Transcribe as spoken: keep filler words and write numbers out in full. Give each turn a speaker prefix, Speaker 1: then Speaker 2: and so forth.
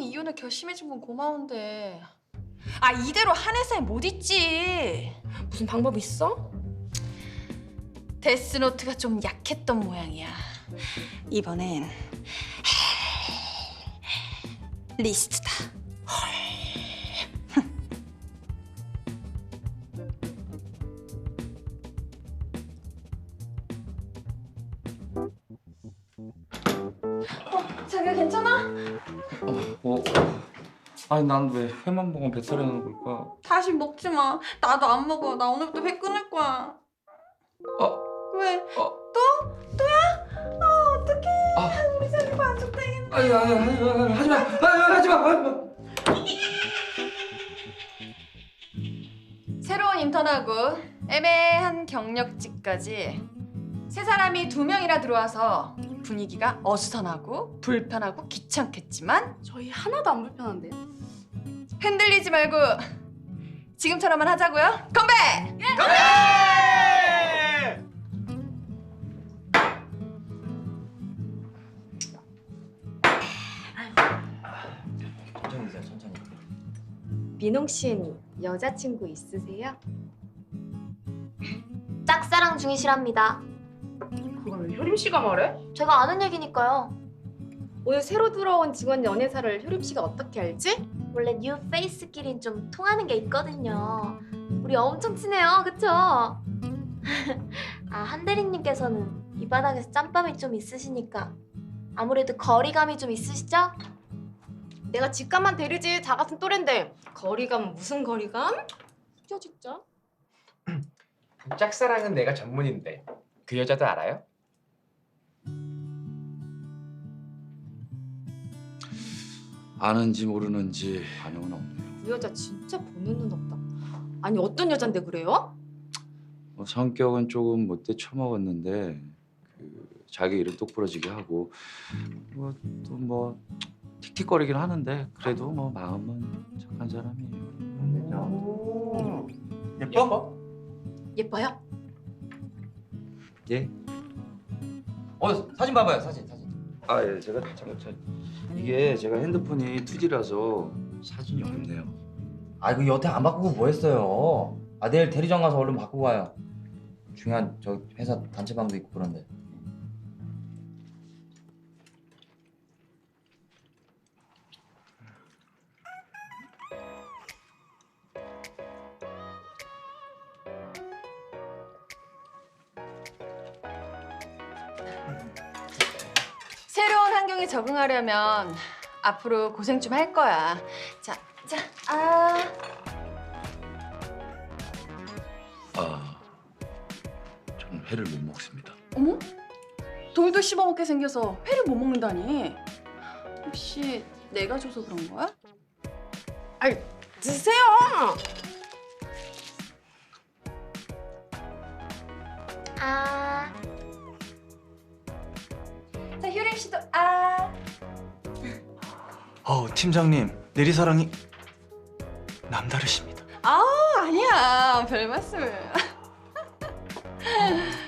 Speaker 1: 상황이 이혼을 결심해준 건 고마운데 아 이대로 한 회사에 못 있지.
Speaker 2: 무슨 방법 있어?
Speaker 1: 데스노트가 좀 약했던 모양이야. 이번엔 리스트다. 어, 자기야 괜찮아?
Speaker 3: 어, 아니 난 왜 회만 먹으면 배탈이 나는 걸까?
Speaker 1: 다시 먹지 마. 나도 안 먹어. 나 오늘부터 회 끊을 거야.
Speaker 3: 어,
Speaker 1: 왜?
Speaker 3: 어,
Speaker 1: 또? 또야? 아 어떡해.
Speaker 3: 아,
Speaker 1: 우리 자기 만족되겠네.
Speaker 3: 아니, 아니, 아니, 아니, 하지 마, 아니, 하지 마, 하지 마.
Speaker 1: 새로운 인턴하고 애매한 경력직까지 세 사람이 두 명이나 들어와서 분위기가 어수선하고 불편하고 귀찮겠지만
Speaker 2: 저희 하나도 안 불편한데요?
Speaker 1: 흔들리지 말고 지금처럼만 하자고요. 건배!
Speaker 4: 천천히 드세요, 천천히.
Speaker 2: 민홍 씨는 여자친구 있으세요?
Speaker 5: 짝사랑 중이시랍니다.
Speaker 2: 그걸 왜 효림 씨가 말해?
Speaker 5: 제가 아는 얘기니까요.
Speaker 2: 오늘 새로 들어온 직원 연애사를 효림 씨가 어떻게 알지?
Speaker 5: 원래 뉴 페이스끼린 좀 통하는 게 있거든요. 우리 엄청 친해요, 그쵸? 아, 한 대리님께서는 이 바닥에서 짬밥이 좀 있으시니까 아무래도 거리감이 좀 있으시죠?
Speaker 2: 내가 직감만 대리지 다 같은 또래인데 거리감 무슨 거리감? 진짜 진짜.
Speaker 4: 짝사랑은 내가 전문인데 그 여자도 알아요?
Speaker 3: 아는지 모르는지 반응은 없네요.
Speaker 2: 그 여자 진짜 보는 눈 없다. 아니 어떤 여잔데 그래요?
Speaker 3: 뭐 성격은 조금 못돼 처먹었는데 그 자기 일은 똑부러지게 하고 뭐 또 뭐 틱틱거리긴 하는데 그래도 뭐 마음은 착한 사람이에요.
Speaker 4: 오. 예뻐?
Speaker 2: 예뻐요?
Speaker 3: 예?
Speaker 4: 어, 사진 봐봐요, 사진, 사진.
Speaker 3: 아 예, 제가 잠깐 저 이게 제가 핸드폰이 투지라서 사진이 없네요.
Speaker 4: 아, 그 여태 안 바꾸고 뭐 했어요? 아, 내일 대리점 가서 얼른 바꾸고 와요. 중요한 저 회사 단체방도 있고 그런데.
Speaker 1: 새로운 환경에 적응하려면 앞으로 고생 좀 할 거야. 자, 자, 아.
Speaker 3: 아, 저는 회를 못 먹습니다.
Speaker 1: 어머? 돌도 씹어먹게 생겨서 회를 못 먹는다니. 혹시 내가 줘서 그런 거야?
Speaker 2: 아이 드세요.
Speaker 5: 아,
Speaker 1: 자, 효림 씨도 아.
Speaker 6: 어, 팀장님, 내리사랑이 남다르십니다.
Speaker 1: 아, 아니야. 별 말씀을.